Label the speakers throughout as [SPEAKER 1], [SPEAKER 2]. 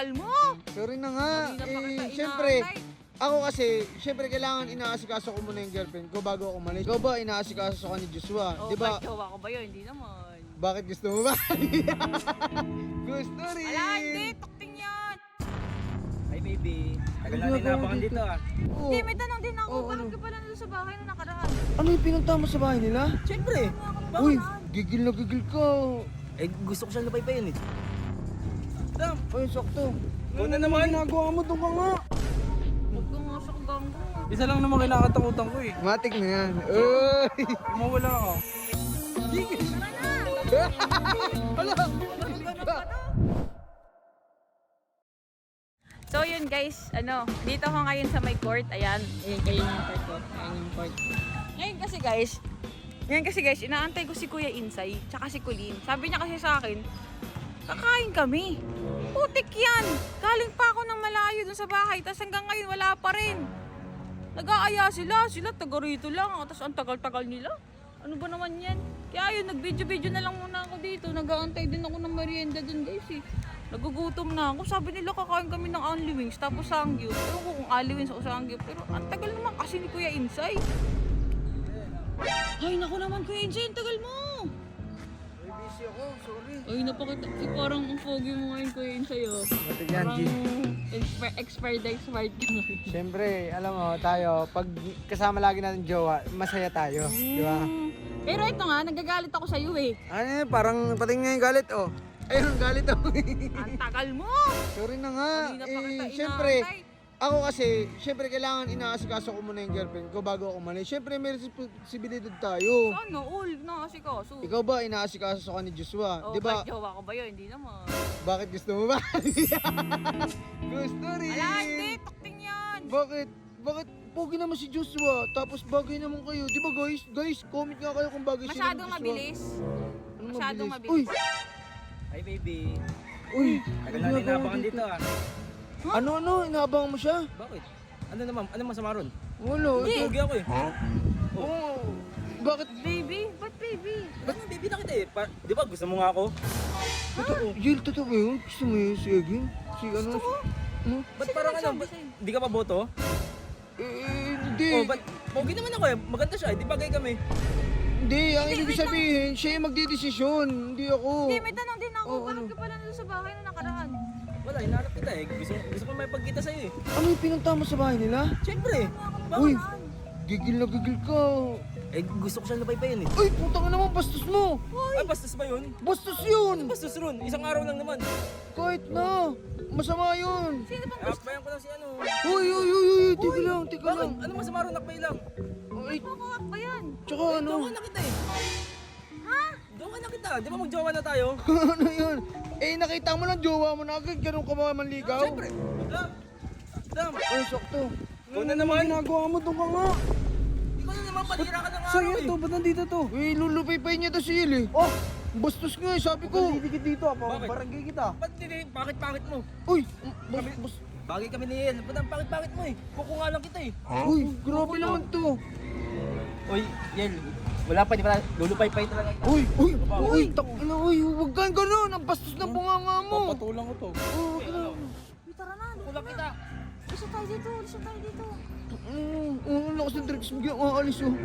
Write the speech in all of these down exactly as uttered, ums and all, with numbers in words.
[SPEAKER 1] tagal mo!
[SPEAKER 2] Sorry na nga.
[SPEAKER 1] Kanina pa kita
[SPEAKER 2] Eh, syempre,
[SPEAKER 1] inaantay.
[SPEAKER 2] ako kasi, syempre kailangan inaasikaso ko muna yung girlfriend ko bago ako umalis. Ikaw ba, inaasikaso ka ni Joshua?
[SPEAKER 1] Oh,
[SPEAKER 2] Di ba?
[SPEAKER 1] ba't jowa ko ba yun? Hindi naman.
[SPEAKER 2] Bakit gusto mo ba? Gusto rin.
[SPEAKER 1] Ala, hindi! Tukting yan!
[SPEAKER 3] Hi baby, tagal
[SPEAKER 2] Ano
[SPEAKER 3] na
[SPEAKER 2] ba
[SPEAKER 3] ninabangan
[SPEAKER 2] dito?
[SPEAKER 3] dito ah.
[SPEAKER 2] Oo.
[SPEAKER 1] Hindi, may tanong din ako.
[SPEAKER 2] Oh,
[SPEAKER 1] Bakit
[SPEAKER 2] ano?
[SPEAKER 1] ka pala nandun sa bahay na nakaraan?
[SPEAKER 2] Ano yung pinunta mo sa bahay nila?
[SPEAKER 3] Siyempre,
[SPEAKER 2] Uy, gigil na gigil ka.
[SPEAKER 3] eh gusto ko siyang napaypayan eh. Dam,
[SPEAKER 2] Ay, sakto.
[SPEAKER 3] Ikaw na
[SPEAKER 2] Ano
[SPEAKER 3] naman.
[SPEAKER 2] ginagawa mo? Doon ka nga.
[SPEAKER 1] Huwag kang masak ganggo.
[SPEAKER 4] Isa lang naman kinakatakutan ko eh.
[SPEAKER 2] Matik na yan. Uy!
[SPEAKER 4] Mawala ako.
[SPEAKER 2] Hala!
[SPEAKER 1] So yun guys, ano, dito ako ngayon sa may court. Ayan, ayan kayo yung court ko. Ayan yung court. Ngayon kasi guys, ngayon kasi guys, inaantay ko si Kuya Insay, tsaka si Colleen. Sabi niya kasi sa akin, kakain kami. Putik yan! Galing pa ako ng malayo dun sa bahay, tapos hanggang ngayon wala pa rin. Nag-aaya sila, sila taga rito lang, tapos ang tagal-tagal nila. Ano ba naman yan? Kaya yun, nag-video-video na lang muna ako dito. Nag-aantay din ako ng merienda dun guys eh. Nagugutom na ako. Sabi nila kakain kami ng only wings tapos sangyup. Ewan ko kung only wings o sangyup. Pero ang tagal naman kasi ni Kuya Insay. Ay naku naman Kuya Insay, ang tagal mo!
[SPEAKER 2] Ay, busy ako. Sorry.
[SPEAKER 1] Ay napakita. Eh, parang ang pogi mo ngayon Kuya Insay oh.
[SPEAKER 2] Matik yan,
[SPEAKER 1] Parang
[SPEAKER 2] G.
[SPEAKER 1] expired expired expired ka ngayon.
[SPEAKER 2] Siyempre, alam mo, tayo, pag kasama lagi natin jowa, masaya tayo. Di ba?
[SPEAKER 1] Mm. Pero ito nga, nagagalit ako sa iyo eh.
[SPEAKER 2] Ano eh, parang pating nga yung galit, oh. Ayun, galit ako.
[SPEAKER 1] Ang tagal mo!
[SPEAKER 2] Sorry na nga.
[SPEAKER 1] Kanina pa kita
[SPEAKER 2] Eh, siyempre,
[SPEAKER 1] inaantay.
[SPEAKER 2] ako kasi, siyempre kailangan inaasikaso ko muna yung girlfriend ko bago ako umalis. Siyempre, may responsibilidad tayo.
[SPEAKER 1] Ano, all na kasi kaso.
[SPEAKER 2] Ikaw ba, inaasikaso ka ni Joshua?
[SPEAKER 1] Oh,
[SPEAKER 2] Di ba?
[SPEAKER 1] ba't jowa ko ba yun? Hindi naman.
[SPEAKER 2] Bakit gusto mo ba? Gusto rin.
[SPEAKER 1] Ala, hindi! Tukting yan!
[SPEAKER 2] Bakit? Bakit? Pogi naman si Joshua. Tapos bagay naman kayo. Di ba guys? Guys, comment nga kayo kung bagay sila ni
[SPEAKER 1] Masyadong
[SPEAKER 2] Joshua.
[SPEAKER 1] mabilis.
[SPEAKER 2] Ano
[SPEAKER 1] Masyadong
[SPEAKER 2] mabilis?
[SPEAKER 1] mabilis.
[SPEAKER 3] hi baby,
[SPEAKER 2] Uy! Uy!
[SPEAKER 3] tagal na ninabangan dito ah.
[SPEAKER 2] Ano ano? Inaabang mo siya?
[SPEAKER 3] Bakit? Ano naman, ano masama ron?
[SPEAKER 2] Wala.
[SPEAKER 1] Hindi.
[SPEAKER 3] Pogi ako eh.
[SPEAKER 2] Oo. Bakit?
[SPEAKER 1] Baby? Ba't baby?
[SPEAKER 3] Ba't nang baby na kita eh? Pa, di ba gusto mo nga ako?
[SPEAKER 2] Totoo. Jill, totoo ba yun? Gusto mo yun si Egin? Si ano?
[SPEAKER 1] Gusto ko.
[SPEAKER 2] Ano?
[SPEAKER 3] Ba't
[SPEAKER 1] Sino
[SPEAKER 3] parang ano,
[SPEAKER 1] nagsabi
[SPEAKER 3] ba't,
[SPEAKER 1] sa'yo?
[SPEAKER 3] di ka pa boto?
[SPEAKER 2] Eh, hindi.
[SPEAKER 3] Oh, ba't, pogi naman ako eh. Maganda siya eh, di bagay kami.
[SPEAKER 2] Hindi, ang
[SPEAKER 1] Hindi,
[SPEAKER 2] ibig
[SPEAKER 1] wait lang.
[SPEAKER 2] sabihin, siya yung magdidesisyon. Hindi ako.
[SPEAKER 1] Hindi, may tanong din ako.
[SPEAKER 2] Oh,
[SPEAKER 1] Bakit
[SPEAKER 2] ano?
[SPEAKER 1] ka pala nandun sa bahay na nakaraan?
[SPEAKER 3] Wala, hinahanap kita eh. Gusto, gusto ko may pagkita sa'yo eh.
[SPEAKER 2] Ano yung pinunta mo sa bahay nila?
[SPEAKER 3] Siyempre.
[SPEAKER 2] Uy,
[SPEAKER 1] Bakit?
[SPEAKER 2] gigil na gigil ka.
[SPEAKER 3] Eh, gusto ko siyang napaypayan eh.
[SPEAKER 2] Uy, putang naman, bastos mo.
[SPEAKER 3] Ah, bastos ba yun?
[SPEAKER 2] Bastos yun.
[SPEAKER 3] Bastos ron, isang araw lang naman.
[SPEAKER 2] Kahit na. Masama yun.
[SPEAKER 1] Sino bang
[SPEAKER 3] Eh,
[SPEAKER 1] gusto?
[SPEAKER 3] akbayan ko lang si ano.
[SPEAKER 2] Uy, uy, uy, uy, tika lang, tika
[SPEAKER 3] Bakit?
[SPEAKER 2] lang.
[SPEAKER 3] Ano masama ron, nakbay lang.
[SPEAKER 2] Ay,
[SPEAKER 1] Kakak ba yan?
[SPEAKER 2] tsaka ano?
[SPEAKER 3] Jowa na kita eh. Ha? Jowa na kita. Di ba magjowa na tayo?
[SPEAKER 2] Ano yun? Eh, nakita mo lang jowa mo na agad, ganun ka ba manligaw?
[SPEAKER 3] Siyempre. Dam. Dam.
[SPEAKER 2] Ay, sakto.
[SPEAKER 3] Ikaw na naman.
[SPEAKER 2] Ginagawa mo, doon ka nga.
[SPEAKER 3] Ikaw na naman, panira ka ng araw
[SPEAKER 4] Sa'yo
[SPEAKER 3] eh.
[SPEAKER 4] to, ba't nandito to?
[SPEAKER 2] Uy, lulupay-pay niya to si Il eh. Oh, bastos nga eh, sabi ko.
[SPEAKER 4] Didikit dito, apa,
[SPEAKER 3] Bakit?
[SPEAKER 4] barangay kita.
[SPEAKER 3] Ba't hindi? Bakit-bakit mo?
[SPEAKER 2] Uy, bas, bas,
[SPEAKER 3] Bagay kami ni Ian. Ba't ang bakit-bakit mo eh? Kuko nga lang kita eh.
[SPEAKER 2] uy, grabe naman to.
[SPEAKER 3] Uy, Yel. Wala pa, di ba? Lulupay-pay talaga ito.
[SPEAKER 2] Uy, uy, uy, tak, ina, uy, huwag kang ganun, ang bastos ng bunganga mo.
[SPEAKER 4] Papatulang ko to.
[SPEAKER 2] Oh, ano?
[SPEAKER 1] Uy, tara na.
[SPEAKER 3] Kulang kita.
[SPEAKER 1] Isa tayo dito. Isa tayo dito.
[SPEAKER 2] Mm, oh, ang lakas ng drugs mo, bigyan aalis oh.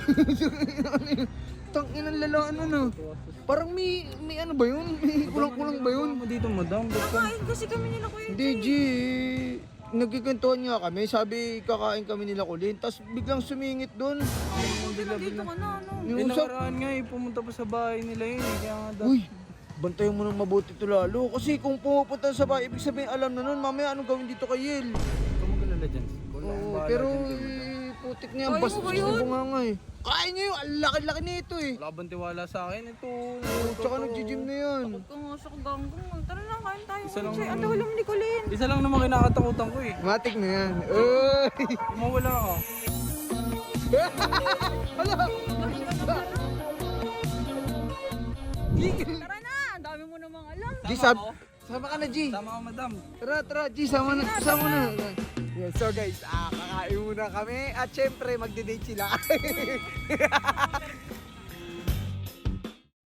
[SPEAKER 2] Tangin ang lalaan ano. Parang may, may ano ba yun? May kulang-kulang ba yun?
[SPEAKER 4] Mo dito, madam. Ba't ka?
[SPEAKER 1] Nakain kasi kami nila Kuya
[SPEAKER 2] Hindi, G. Nagkikantuhan nga kami, sabi kakain kami nila kulin, tapos biglang sumingit doon.
[SPEAKER 1] Buti nandito ka na, ano?
[SPEAKER 4] Eh,
[SPEAKER 2] Yung usap,
[SPEAKER 4] nakaraan nga eh, pumunta pa sa bahay nila yun eh. Kaya nga dapat.
[SPEAKER 2] uy, bantayan mo nang mabuti to lalo. Kasi kung pumupunta sa bahay, ibig sabihin alam na nun, mamaya anong gawin dito kay Yel.
[SPEAKER 4] Huwag mo galala dyan. Ikaw lang ang
[SPEAKER 2] Oo,
[SPEAKER 4] bahala
[SPEAKER 2] pero
[SPEAKER 4] dyan, di ba, madam?
[SPEAKER 2] eh, putik niya,
[SPEAKER 1] Kaya mo
[SPEAKER 2] bastos
[SPEAKER 1] ba
[SPEAKER 2] ng
[SPEAKER 1] yun?
[SPEAKER 2] bunganga eh. Kain niyo yun, ang laki-laki nito eh.
[SPEAKER 4] Wala bang tiwala sa akin? Ito.
[SPEAKER 2] Oh, tsaka nag-gym na yan.
[SPEAKER 1] Huwag kang masak ganggang. Tara na, kain tayo.
[SPEAKER 4] Isa lang
[SPEAKER 1] Kuya Insay.
[SPEAKER 4] naman.
[SPEAKER 1] Ang dahil mo ni Colleen.
[SPEAKER 4] Isa lang naman kinakatakutan ko eh.
[SPEAKER 2] Matik na yan. Uy!
[SPEAKER 4] Mawala ako.
[SPEAKER 2] Hala!
[SPEAKER 1] Tara na. Ang dami mo namang alam.
[SPEAKER 2] G, sab sama ka na, G.
[SPEAKER 4] Tama ka, madam.
[SPEAKER 2] Tara, tara, G, sama na, sama na. Yeah, so guys, ah, kakain muna kami at syempre magde-date sila.